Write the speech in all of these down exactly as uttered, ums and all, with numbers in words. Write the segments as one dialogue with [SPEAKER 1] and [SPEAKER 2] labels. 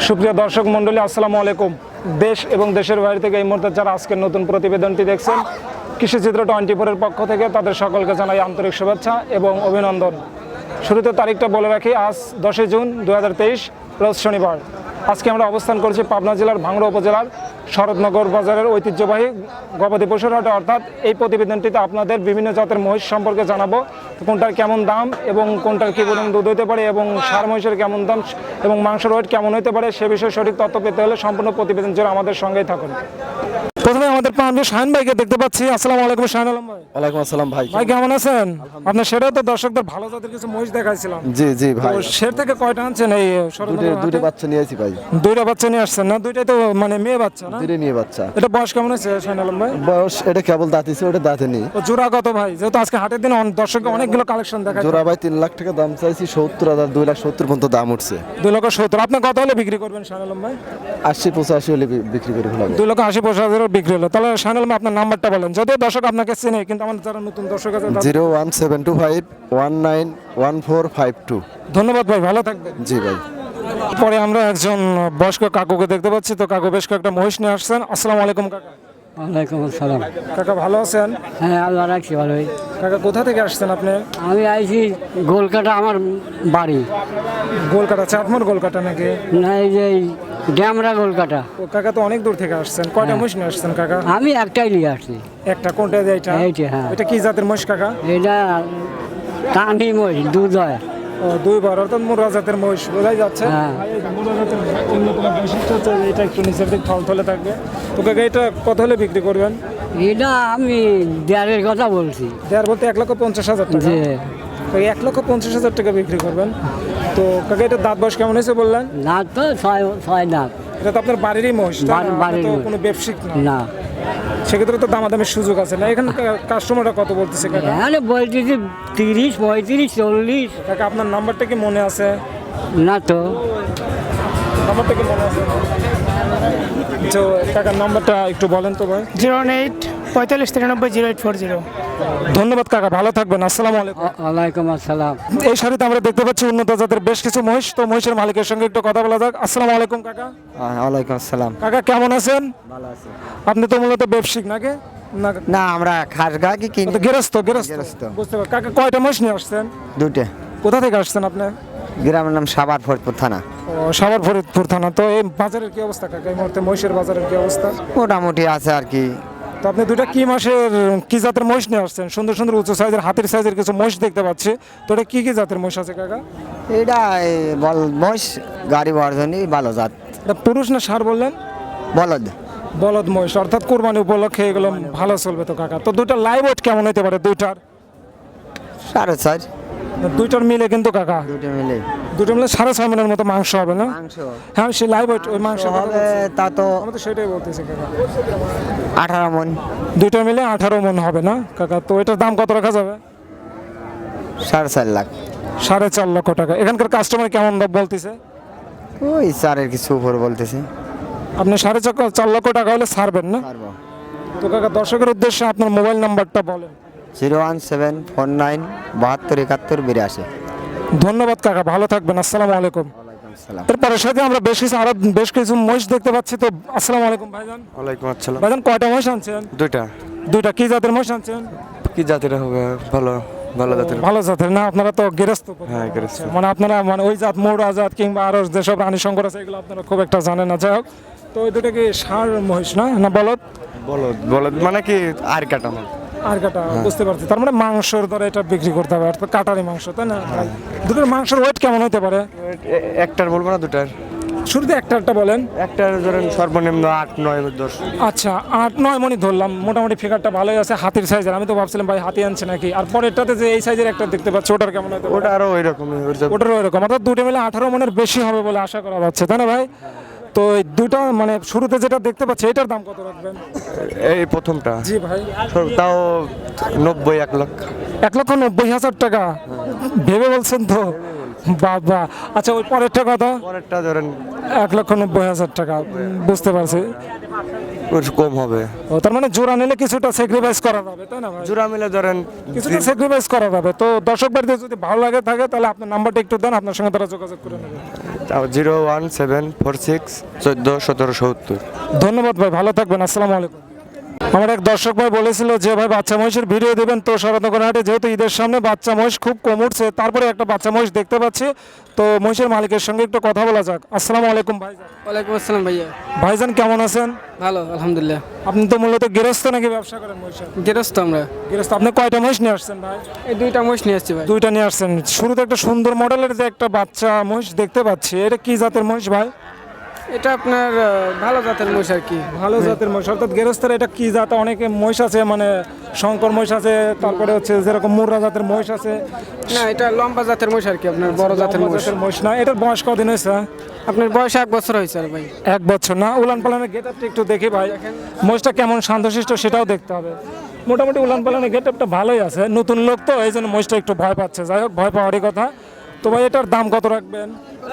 [SPEAKER 1] সুপ্রিয় দর্শক মণ্ডলী, আসসালামু আলাইকুম। দেশ এবং দেশের বাইরে থেকে এই মুহূর্তে যারা আজকের নতুন প্রতিবেদনটি দেখছেন, কৃষিচিত্র টোয়েন্টি ফোরের পক্ষ থেকে তাদের সকলকে জানাই আন্তরিক শুভেচ্ছা এবং অভিনন্দন। শুরুতে তারিখটা বলে রাখি, আজ দশই জুন দু হাজার তেইশ, রোজ শনিবার। আজকে আমরা অবস্থান করছি পাবনা জেলার ভাঙড়া উপজেলার শরৎনগর বাজারের ঐতিহ্যবাহী গবাদি পশুর হাটে। অর্থাৎ এই প্রতিবেদনটিতে আপনাদের বিভিন্ন জাতের মহিষ সম্পর্কে জানাবো, কোনটার কেমন দাম এবং কোনটার কী পরিমাণ দুধ হতে পারে এবং সার মহিষের কেমন দাম এবং মাংসের ওয়েট কেমন হতে পারে সে বিষয়ে সঠিক তথ্য পেতে হলে সম্পূর্ণ প্রতিবেদন জুড়ে আমাদের সঙ্গেই থাকুন। প্রথমে আমাদের পাবনা শাহিন ভাইকে দেখতে পাচ্ছি। আসসালামু আলাইকুম শাহিন আলম ভাই।
[SPEAKER 2] ওয়ালাইকুম আসসালাম ভাই।
[SPEAKER 1] ভাই কেমন আছেন? আপনার সেটাও তো দর্শকদের ভালো জাতের কিছু মহিষ দেখাইছিলাম।
[SPEAKER 2] জি জি ভাই।
[SPEAKER 1] সের থেকে কয়টা আনছেন এই
[SPEAKER 2] দুটো দুটো বাচ্চা নিয়ে আসি ভাই।
[SPEAKER 1] দুইটা বাচ্চা নিয়ে আসছেন না? দুইটাই তো মানে মেয়ে বাচ্চা না?
[SPEAKER 2] দুটো নিয়ে বাচ্চা।
[SPEAKER 1] এটা বয়স কেমন আছে শাহিন আলম ভাই?
[SPEAKER 2] বয়স এটা কেবল দাঁতিছে, ওটা দাঁতে নেই।
[SPEAKER 1] ও জোড়া কত ভাই? যেহেতু আজকে হাটের দিন দর্শক অনেকগুলো কালেকশন দেখায়।
[SPEAKER 2] জোড়া ভাই তিন লাখ টাকা দাম চাইছি, সত্তর হাজার দুই লাখ সত্তর পর্যন্ত দাম উঠছে।
[SPEAKER 1] দুই লক্ষ সত্তর। আপনি কত হলে বিক্রি করবেন শাহিন আলম ভাই?
[SPEAKER 2] আশি পঁচাশি হলে বি- বিক্রি করে ফেলাবে।
[SPEAKER 1] দুই লক্ষ আশি পঁচাশি হাজার বিক্রি হলো। তাহলে শাহিন আলম ভাই আপনার নাম্বারটা বলেন, যদিও দর্শক আপনাকে চেনে, কিন্তু আমাদের যারা নতুন দর্শক আছে তাদের-
[SPEAKER 2] zero one seven two five one nine one four five two.
[SPEAKER 1] ধন্যবাদ ভাই, ভালো থাকবেন।
[SPEAKER 2] জি ভাই।
[SPEAKER 1] পরে আমরা একজন বয়স্ক কাকুকে দেখতে পাচ্ছি। তো কাকু বেশ কয়েকটা মহিষ নিয়ে আসছেন। আসসালামু আলাইকুম কাকা।
[SPEAKER 3] ওয়ালাইকুম আসসালাম।
[SPEAKER 1] কাকা ভালো আছেন?
[SPEAKER 3] হ্যাঁ, আল্লাহ রাখছি ভালোই।
[SPEAKER 1] কাকা কোথা থেকে আসছেন আপনি?
[SPEAKER 3] আমি আইছি গোলকাটা, আমার বাড়ি।
[SPEAKER 1] গোলকাটা, চাটমোর গোলকাটা নাকি?
[SPEAKER 3] না, এই যে এই ড্যামরা গোলকাটা।
[SPEAKER 1] ও কাকা তো অনেক দূর থেকে আসছেন। কয়টা মহিষ নিয়ে আসছেন কাকা?
[SPEAKER 3] আমি একটাই নিয়ে আসছি।
[SPEAKER 1] একটা কোনটা? এইটা?
[SPEAKER 3] এইটা, হ্যাঁ।
[SPEAKER 1] এটা কি জাতের মহিষ কাকা?
[SPEAKER 3] এটা টানি মই, দুধ হয়।
[SPEAKER 1] ও দুইবার, অর্থাৎ মুরা জাতের মহিষ বোঝাই যাচ্ছে।
[SPEAKER 3] হ্যাঁ।
[SPEAKER 1] আর এই যে মুরা জাতের অন্যতম বৈশিষ্ট্য হচ্ছে যে এটা একটু নিচের দিক থলথলে থাকবে। তো কাকা এটা কত হলে বিক্রি করবেন?
[SPEAKER 3] এটা আমি দেড়ের কথা বলছি।
[SPEAKER 1] দেড় বলতে এক লক্ষ পঞ্চাশ হাজার টাকা।
[SPEAKER 3] যে
[SPEAKER 1] কাকা এক লক্ষ পঞ্চাশ হাজার টাকা বিক্রি করবেন। তো কাকা এটা দাঁত বয়স কেমন হয়েছে বললেন?
[SPEAKER 3] দাঁত তো ছয় ছয় দাঁত।
[SPEAKER 1] এটা তো আপনার বাড়িরই মহিষ, তাই না?
[SPEAKER 3] বাড়ি-
[SPEAKER 1] আপনি
[SPEAKER 3] বাড়ির
[SPEAKER 1] তো
[SPEAKER 3] মহিষ।
[SPEAKER 1] কোনো ব্যবসায়িক না।
[SPEAKER 3] না,
[SPEAKER 1] সেক্ষেত্রে তো দামাদামির সুযোগ আছে না? এখানে কাস্টমাররা কত বলতেছে কাকা?
[SPEAKER 3] এখানে বলতেছি তিরিশ পঁয়ত্রিশ চল্লিশ।
[SPEAKER 1] কাকা আপনার নাম্বারটা কি মনে আছে?
[SPEAKER 3] না তো।
[SPEAKER 1] নাম্বারটা কি মনে আছে? তো কাকার নাম্বারটা একটু বলেন তো ভাই।
[SPEAKER 4] জিরো এইট পঁয়তাল্লিশ তিরানব্বই জিরো এইট ফোর জিরো।
[SPEAKER 1] ধন্যবাদ কাকা, ভালো থাকবেন। আসসালামু আলাইকুম।
[SPEAKER 3] ওয়ালাইকুম আসসালাম।
[SPEAKER 1] এই শাড়িতে আমরা দেখতে পাচ্ছি উন্নত জাতের বেশ কিছু মহিষ। তো মহিষের মালিকের সঙ্গে একটু কথা বলা যাক। আসসালামু আলাইকুম কাকা।
[SPEAKER 2] ওয়ালাইকুম আসসালাম।
[SPEAKER 1] কাকা কেমন আছেন?
[SPEAKER 2] ভালো আছে।
[SPEAKER 1] আপনি তো মূলত ব্যবসায়িক নাকি? না,
[SPEAKER 2] না, আমরা খাস গা কি কিনি?
[SPEAKER 1] তো গৃহস্থ গৃহস্থ
[SPEAKER 2] গৃহস্থ।
[SPEAKER 1] বুঝতে পারি। কাকা কয়টা মহিষ নিয়ে আসছেন?
[SPEAKER 2] দুইটা।
[SPEAKER 1] কোথা থেকে আসছেন আপনি?
[SPEAKER 2] গ্রামের নাম সাবার ফরিদপুর থানা।
[SPEAKER 1] ও সাভার ফরিদপুর থানা। তো এই বাজারের কি অবস্থা কাকা এই মুহূর্তে? মহিষের বাজারের কি অবস্থা?
[SPEAKER 2] মোটামুটি আছে আর কি।
[SPEAKER 1] তো আপনি দুইটা কি মাসের কি জাতের মহিষ নিয়ে আসছেন? সুন্দর সুন্দর উঁচু সাইজের হাতির সাইজের কিছু মহিষ দেখতে পাচ্ছি। তো এটা কি কি জাতের মহিষ আছে কাকা?
[SPEAKER 2] এটা এই বল মহিষ গাড়ি বর্জনী ভালো জাত।
[SPEAKER 1] এটা পুরুষ না ষাঁড় বললেন?
[SPEAKER 2] বলদ।
[SPEAKER 1] বলদ মহিষ, অর্থাৎ কোরবানি উপলক্ষে এগুলো ভালো চলবে তো কাকা। তো দুইটা লাইভ ওয়েট কেমন হতে পারে দুইটার?
[SPEAKER 2] সাড়ে চার।
[SPEAKER 1] দুইটার মিলে কিন্তু কাকা
[SPEAKER 2] দুটো মিলে
[SPEAKER 1] দুটো মিলে সাড়ে ছয় মনের মতো মাংস হবে না?
[SPEAKER 2] মাংস
[SPEAKER 1] হ্যাঁ, সেই লাইভ ওয়েট ওই মাংস
[SPEAKER 2] হবে তা তো
[SPEAKER 1] আমি তো সেটাই বলতেছি কাকা।
[SPEAKER 2] আঠারো মন।
[SPEAKER 1] দুইটা মিলে আঠারো মন হবে না কাকা? তো এটার দাম কত রাখা যাবে?
[SPEAKER 2] সাড়ে চার লাখ।
[SPEAKER 1] সাড়ে চার লক্ষ টাকা। এখানকার কাস্টমার কেমন দাম বলতেছে?
[SPEAKER 2] ওই চারের কিছু উপর বলতেছে।
[SPEAKER 1] আপনি সাড়ে চার- চার লক্ষ টাকা হলে ছাড়বেন না?
[SPEAKER 2] পারবো।
[SPEAKER 1] তো কাকা দর্শকের উদ্দেশ্যে আপনার মোবাইল নাম্বারটা বলেন।
[SPEAKER 2] Zero one seven four nine বাহাত্তর একাত্তর বিরাশি।
[SPEAKER 1] ধন্যবাদ কাকা, ভালো থাকবেন। আসসালামু আলাইকুম।
[SPEAKER 2] সালাম।
[SPEAKER 1] এরপরের সাথে আমরা বেশ কিছু আরো বেশ কিছু মহিষ দেখতে পাচ্ছি। তো আসসালামু আলাইকুম ভাইজান।
[SPEAKER 5] ওয়ালাইকুম আসসালাম।
[SPEAKER 1] ভাইজান কয়টা মহিষ আনছেন?
[SPEAKER 5] দুইটা।
[SPEAKER 1] দুইটা কি জাতের মহিষ আনছেন?
[SPEAKER 5] কি জাতের হবে? ভালো ভালো জাতের।
[SPEAKER 1] ভালো জাতের না? আপনারা তো গৃহস্থ পরিবার।
[SPEAKER 5] হ্যাঁ, গৃহস্থ।
[SPEAKER 1] আচ্ছা, মানে আপনারা মানে ওই জাত মোড়া জাত কিংবা আরো যেসব রানী শঙ্কর আছে এগুলো আপনারা খুব একটা জানেন না। যাই হোক, তো ওই দুটো কি ষাঁড় মহিষ না না বলদ?
[SPEAKER 5] বলদ বলদ মানে কি আর কাটা মাল।
[SPEAKER 1] আর কাটা, বুঝতে পারছি। তার মানে মাংসর দ্বারা এটা বিক্রি করতে হবে, অর্থাৎ কাটারি মাংস, তাই না? দুটোর মাংসের ওয়েট কেমন হতে পারে?
[SPEAKER 5] এ- একটার বলবো না দুটার?
[SPEAKER 1] শুরুতে একটা একটা বলেন।
[SPEAKER 5] একটার ধরেন সর্বনিম্ন আট নয় দশ।
[SPEAKER 1] আচ্ছা, আট নয় মনি ধরলাম, মোটামুটি ফিগারটা ভালোই আছে, হাতির সাইজের। আমি তো ভাবছিলাম ভাই হাতি আনছে নাকি। আর পরেরটাতে যে এই সাইজের একটা দেখতে পাচ্ছি, ওটার কেমন হতে পারে?
[SPEAKER 5] ওটা আরো ওই রকমই।
[SPEAKER 1] ওটারও এরকম, অর্থাৎ দুটো মিলে আঠারো মনের বেশি হবে বলে আশা করা যাচ্ছে, তাই না ভাই? তো এই দুটা মানে শুরুতে যেটা দেখতে পাচ্ছি এটার দাম কত রাখবেন?
[SPEAKER 5] এই প্রথমটা
[SPEAKER 1] জি ভাই।
[SPEAKER 5] সর- তাও নব্বই এক লাখ।
[SPEAKER 1] এক লক্ষ নব্বই হাজার টাকা ভেবে বলছেন তো? বাবা। আচ্ছা, ওই পরেরটা কত?
[SPEAKER 5] পরেরটা ধরেন
[SPEAKER 1] এক লক্ষ নব্বই হাজার টাকা। বুঝতে পারছি।
[SPEAKER 5] ওর কম হবে।
[SPEAKER 1] ও তার মানে জোড়া নিলে কিছুটা স্যাক্রিফাইস করা যাবে, তাই না ভাই?
[SPEAKER 5] জোড়া মিলে ধরেন
[SPEAKER 1] কিছুটা স্যাক্রিফাইস করা যাবে। তো দর্শক বাড়িতে যদি ভালো লাগে থাকে তাহলে আপনার নাম্বারটা একটু দেন, আপনার সঙ্গে তারা যোগাযোগ করে নেবে।
[SPEAKER 5] তাও zero one seven four six চোদ্দো সতেরো সত্তর।
[SPEAKER 1] ধন্যবাদ ভাই, ভালো থাকবেন, আসসালামু আলাইকুম। আমার এক দর্শক ভাই বলেছিল যে ভাই বাচ্চা মহিষের ভিডিও দেবেন, তো শরৎনগর হাটে যেহেতু ঈদের সামনে বাচ্চা মহিষ খুব কম উঠছে, তারপরে একটা বাচ্চা মহিষ দেখতে পাচ্ছি, তো মহিষের মালিকের সঙ্গে একটু কথা বলা যাক। আসসালামু আলাইকুম ভাইজান।
[SPEAKER 6] ওয়ালাইকুম আসসালাম ভাইয়া।
[SPEAKER 1] ভাইজান কেমন আছেন?
[SPEAKER 6] ভালো আলহামদুলিল্লাহ।
[SPEAKER 1] আপনি তো মূলত গৃহস্থ নাকি ব্যবসা করেন মহিষের?
[SPEAKER 6] গেরস্ত আমরা
[SPEAKER 1] গৃহস্থ। আপনি কয়টা মহিষ নিয়ে আসছেন ভাই?
[SPEAKER 6] এই দুইটা মহিষ নিয়ে আসছি ভাই।
[SPEAKER 1] দুইটা নিয়ে আসছেন। শুরুতে একটা সুন্দর মডেলের যে একটা বাচ্চা মহিষ দেখতে পাচ্ছি, এটা কি জাতের মহিষ ভাই?
[SPEAKER 6] এটা আপনার আহ, ভালো জাতের মহিষ আর কি।
[SPEAKER 1] ভালো জাতের মহিষ, অর্থাৎ গৃহস্থের এটা কি জাত? অনেকে মহিষ আছে, মানে শঙ্কর মহিষ আছে, তারপরে হচ্ছে যেরকম মুর্রা জাতের মহিষ আছে।
[SPEAKER 6] না, এটা লম্বা জাতের মহিষ আর কি, আপনার বড় জাতের
[SPEAKER 1] লম্বা
[SPEAKER 6] মহিষ।
[SPEAKER 1] জাতের মহিষ না, এটার বয়স কদিন হয়েছে?
[SPEAKER 6] আপনার বয়স এক বছর হয়েছে আর ভাই।
[SPEAKER 1] এক বছর না? উলান পালানের গেট আপটা একটু দেখি ভাই, মহিষটা কেমন শান্তশিষ্ট সেটাও দেখতে হবে। মোটামুটি উলান পালানের গেট আপটা ভালোই আছে, নতুন লোক তো এই জন্য মহিষটা একটু ভয় পাচ্ছে। যাই হোক, ভয় পাওয়ারই কথা। তো ভাই এটার দাম কত রাখবেন?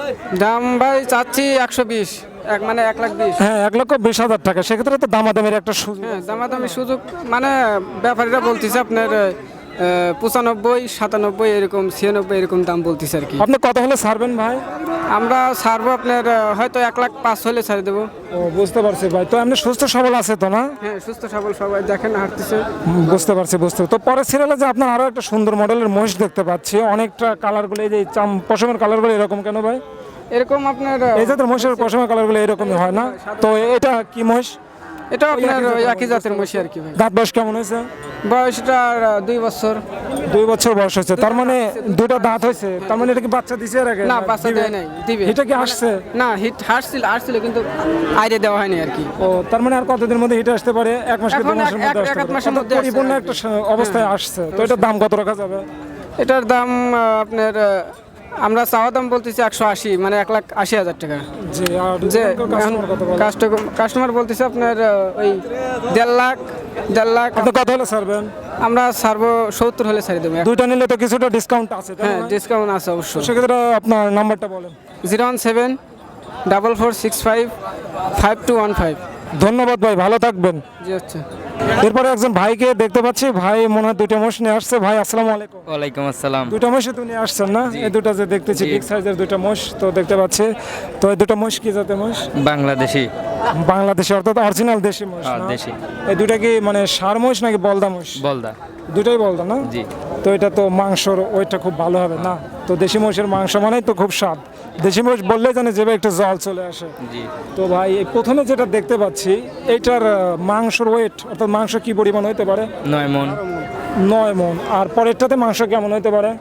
[SPEAKER 6] দাম ভাই চাচ্ছি একশো বিশ, এক মানে এক লাখ বিশ।
[SPEAKER 1] হ্যাঁ, এক লক্ষ বিশ হাজার টাকা। সেক্ষেত্রে তো দামাদামের একটা সুযোগ।
[SPEAKER 6] হ্যাঁ, দামাদামি সুযোগ মানে ব্যাপারীরা বলতেছে আপনার আহ, পঁচানব্বই সাতানব্বই এরকম ছিয়ানব্বই এরকম দাম বলতেছে আর কি।
[SPEAKER 1] আপনি কত হলে ছাড়বেন ভাই?
[SPEAKER 6] আমরা ছাড়বো আপনার আহ, হয়তো এক লাখ পাঁচ হলে ছাড়ে দেবো।
[SPEAKER 1] ও, বুঝতে পারছি ভাই। তো আপনি সুস্থ সবল আছে তো না?
[SPEAKER 6] হ্যাঁ, সুস্থ সবল সবাই দেখেন হাঁটতেছে।
[SPEAKER 1] হুম, বুঝতে পারছি, বুঝতে পারছি। তো পরের সিরিয়ালে যে আপনার আরো একটা সুন্দর মডেলের মহিষ দেখতে পাচ্ছি, অনেকটা কালারগুলো, এই যে চাম পশমের কালারগুলো এরকম কেন ভাই?
[SPEAKER 6] এরকম আপনার আহ,
[SPEAKER 1] এই জাতের মহিষের পশমের কালারগুলো এরকমই হয় না? তো এটা কি মহিষ?
[SPEAKER 6] এটা আপনার ওই একই জাতের মহিষ আর কি ভাই।
[SPEAKER 1] দাঁত বয়স কেমন হয়েছে?
[SPEAKER 6] বয়সটা আর, আহ, দুই বছর।
[SPEAKER 1] দুই বছর বয়স হয়েছে, তার মানে দুটো দাঁত হয়েছে, তার মানে এটা কি বাচ্চা দিছে এর আগে?
[SPEAKER 6] না, বাচ্চা দেয় নাই, দিবে।
[SPEAKER 1] এটা কি আসছে?
[SPEAKER 6] না, হিট হাসছিল আসছিল কিন্তু আইরে দেওয়া হয়নি আর কি।
[SPEAKER 1] ও, তার মানে আর কতদিনের মধ্যে হিটে আসতে পারে? এক মাস কি দু
[SPEAKER 6] এখন
[SPEAKER 1] মাসের
[SPEAKER 6] এক-
[SPEAKER 1] মধ্যে
[SPEAKER 6] এক-
[SPEAKER 1] আসতে
[SPEAKER 6] এক
[SPEAKER 1] পারে?
[SPEAKER 6] মাসের
[SPEAKER 1] অর্থাৎ
[SPEAKER 6] মধ্যে আসছে
[SPEAKER 1] পরিপূর্ণ
[SPEAKER 6] আর
[SPEAKER 1] একটা স- অবস্থায় আসছে। তো এটার দাম কত রাখা যাবে?
[SPEAKER 6] এটার দাম আহ, আপনার আহ, আমরা চাওয়া দাম বলতেছি একশো আশি, মানে এক লাখ আশি হাজার টাকা।
[SPEAKER 1] জি, আর
[SPEAKER 6] যে
[SPEAKER 1] কাস্টমার কত বলে?
[SPEAKER 6] কাস্টমার বলতেছে আপনার আহ, ওই দেড় লাখ দেড় লাখ।
[SPEAKER 1] আপনি কত হলে ছাড়বেন?
[SPEAKER 6] আমরা ছাড়বো সত্তর হলে ছাড়ি দেবো।
[SPEAKER 1] দুইটা নিলে তো কিছুটা ডিসকাউন্ট আছে, তাই
[SPEAKER 6] হ্যাঁ,
[SPEAKER 1] না?
[SPEAKER 6] ডিসকাউন্ট আছে অবশ্যই।
[SPEAKER 1] সেক্ষেত্রে আপনার নাম্বারটা বলেন।
[SPEAKER 6] Zero one seven double four six five five two one five.
[SPEAKER 1] ধন্যবাদ ভাই, ভালো থাকবেন।
[SPEAKER 6] জি আচ্ছা।
[SPEAKER 1] এরপরে একজন ভাইকে দেখতে পাচ্ছি, ভাই মনে হয় দুইটা মোষ নিয়ে আসছে। ভাই আসসালামু আলাইকুম।
[SPEAKER 7] ওয়ালাইকুম আসসালাম।
[SPEAKER 1] দুইটা মোষই তো নিয়ে আসছেন না? এই দুটো যে দেখতেছি বিগ সাইজের দুইটা মোষ তো দেখতে পাচ্ছি। তো এই দুটো মোষ কি জাতের মোষ?
[SPEAKER 7] বাংলাদেশি।
[SPEAKER 1] বাংলাদেশি, অর্থাৎ অরিজিনাল দেশি মোষ
[SPEAKER 7] হ্যাঁ,
[SPEAKER 1] না?
[SPEAKER 7] দেশি।
[SPEAKER 1] এই দুটা কি মানে ষাঁড় মোষ নাকি বলদা মোষ?
[SPEAKER 7] বলদা।
[SPEAKER 1] দুটাই বলদা না?
[SPEAKER 7] জি।
[SPEAKER 1] তো এটা তো মাংসর ওইটা খুব ভালো হবে না? তো দেশি মোষের মাংস মানেই তো খুব স্বাদ। দেশি মোষ বললেই জানে যে একটু জল চলে আসে।
[SPEAKER 7] জি।
[SPEAKER 1] তো ভাই এই প্রথমে যেটা দেখতে পাচ্ছি, এইটার আহ, মাংসর ওয়েট অর্থাৎ মাংস কি পরিমাণ হইতে পারে?
[SPEAKER 7] নয় মন।
[SPEAKER 1] নয় মন। আর পরেরটাতে মাংস কেমন হইতে পারে?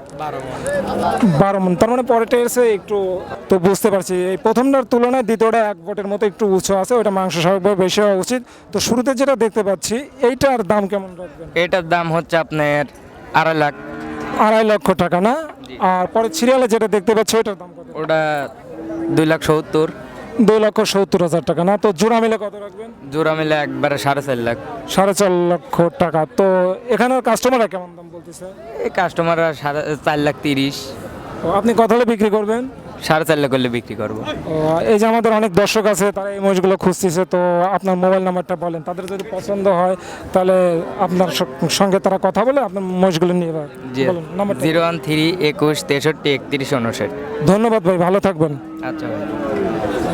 [SPEAKER 1] বারো মন। তার মানে পরেরটা এসে একটু, তো বুঝতে পারছি এই প্রথমটার তুলনায় দ্বিতীয়টা এক বটের মতো একটু উঁচু আছে, ওটা মাংস স্বাভাবিকভাবে বেশি হওয়া উচিত। তো শুরুতে যেটা দেখতে পাচ্ছি, এইটার দাম কেমন রাখবেন?
[SPEAKER 7] এটার দাম হচ্ছে আপনার আড়াই লাখ।
[SPEAKER 1] আড়াই লক্ষ টাকা না? আর পরে সিরিয়ালে যেটা দেখতে পাচ্ছি ওইটার দাম কত?
[SPEAKER 7] ওটা দুই লাখ সত্তর।
[SPEAKER 1] দুই লক্ষ সত্তর হাজার টাকা না? তো জোড়া মিলে কত রাখবেন?
[SPEAKER 7] জোড়া মিলে একবারে সাড়ে চার লাখ।
[SPEAKER 1] সাড়ে চার লক্ষ টাকা। তো এখানের কাস্টমাররা কেমন দাম বলতেছে?
[SPEAKER 7] এই কাস্টমাররা সাড়ে চার লাখ তিরিশ।
[SPEAKER 1] তো আপনি কত হলে বিক্রি করবেন?
[SPEAKER 7] সাড়ে চার লাখ করলে বিক্রি করবো।
[SPEAKER 1] ও, এই যে আমাদের অনেক দর্শক আছে, তারা এই মহিষগুলো খুঁজতেছে, তো আপনার মোবাইল নাম্বারটা বলেন, তাদের যদি পছন্দ হয় তাহলে আপনার স- সঙ্গে তারা কথা বলে আপনার মহিষগুলো নিয়ে যাবে।
[SPEAKER 7] জি।
[SPEAKER 1] বলুন নাম্বারটা।
[SPEAKER 7] জিরো ওয়ান থ্রি একুশ তেষট্টি একত্রিশ উনষাট।
[SPEAKER 1] ধন্যবাদ ভাই, ভালো থাকবেন।
[SPEAKER 7] আচ্ছা ভাই।